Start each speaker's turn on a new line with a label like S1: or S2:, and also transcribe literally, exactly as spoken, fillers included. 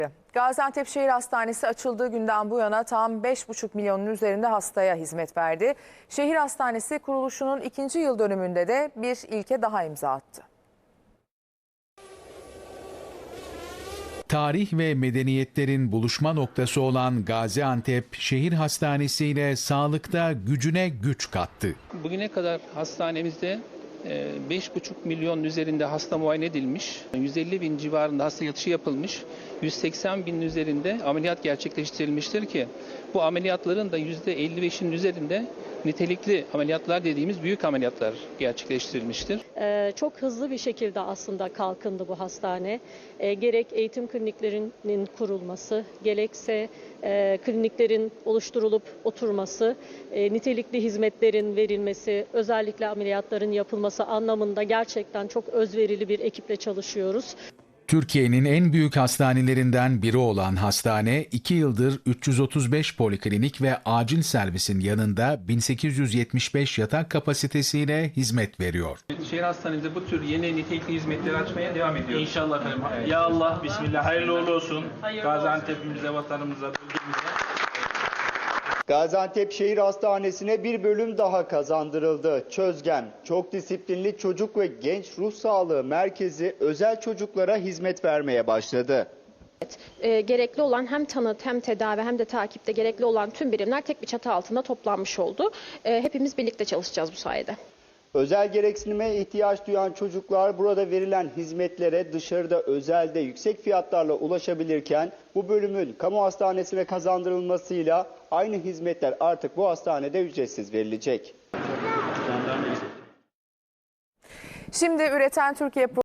S1: Gaziantep Şehir Hastanesi açıldığı günden bu yana tam beş buçuk milyonun üzerinde hastaya hizmet verdi. Şehir Hastanesi kuruluşunun ikinci yıl dönümünde de bir ilke daha imza attı.
S2: Tarih ve medeniyetlerin buluşma noktası olan Gaziantep Şehir Hastanesi ile sağlıkta gücüne güç kattı.
S3: Bugüne kadar hastanemizde beş buçuk milyon üzerinde hasta muayene edilmiş, yüz elli bin civarında hasta yatışı yapılmış, yüz seksen binin üzerinde ameliyat gerçekleştirilmiştir ki bu ameliyatların da yüzde elli beşinin üzerinde nitelikli ameliyatlar dediğimiz büyük ameliyatlar gerçekleştirilmiştir.
S4: Ee, çok hızlı bir şekilde aslında kalkındı bu hastane. Ee, gerek eğitim kliniklerinin kurulması, gerekse e, kliniklerin oluşturulup oturması, e, nitelikli hizmetlerin verilmesi, özellikle ameliyatların yapılması anlamında gerçekten çok özverili bir ekiple çalışıyoruz.
S2: Türkiye'nin en büyük hastanelerinden biri olan hastane, iki yıldır üç yüz otuz beş poliklinik ve acil servisin yanında bin sekiz yüz yetmiş beş yatak kapasitesiyle hizmet veriyor.
S3: Şehir hastanemizde bu tür yeni nitelikli hizmetleri açmaya devam ediyoruz.
S5: İnşallah efendim. Ya Allah, bismillah, hayırlı uğurlu olsun. Gaziantep'imize, vatanımıza, bölgemize.
S6: Gaziantep Şehir Hastanesi'ne bir bölüm daha kazandırıldı. Çözgen, çok disiplinli çocuk ve genç ruh sağlığı merkezi özel çocuklara hizmet vermeye başladı.
S7: E, gerekli olan hem tanı hem tedavi hem de takipte gerekli olan tüm birimler tek bir çatı altında toplanmış oldu. E, hepimiz birlikte çalışacağız bu sayede.
S6: Özel gereksinime ihtiyaç duyan çocuklar burada verilen hizmetlere dışarıda özelde yüksek fiyatlarla ulaşabilirken bu bölümün kamu hastanesine kazandırılmasıyla aynı hizmetler artık bu hastanede ücretsiz verilecek.
S1: Şimdi Üreten Türkiye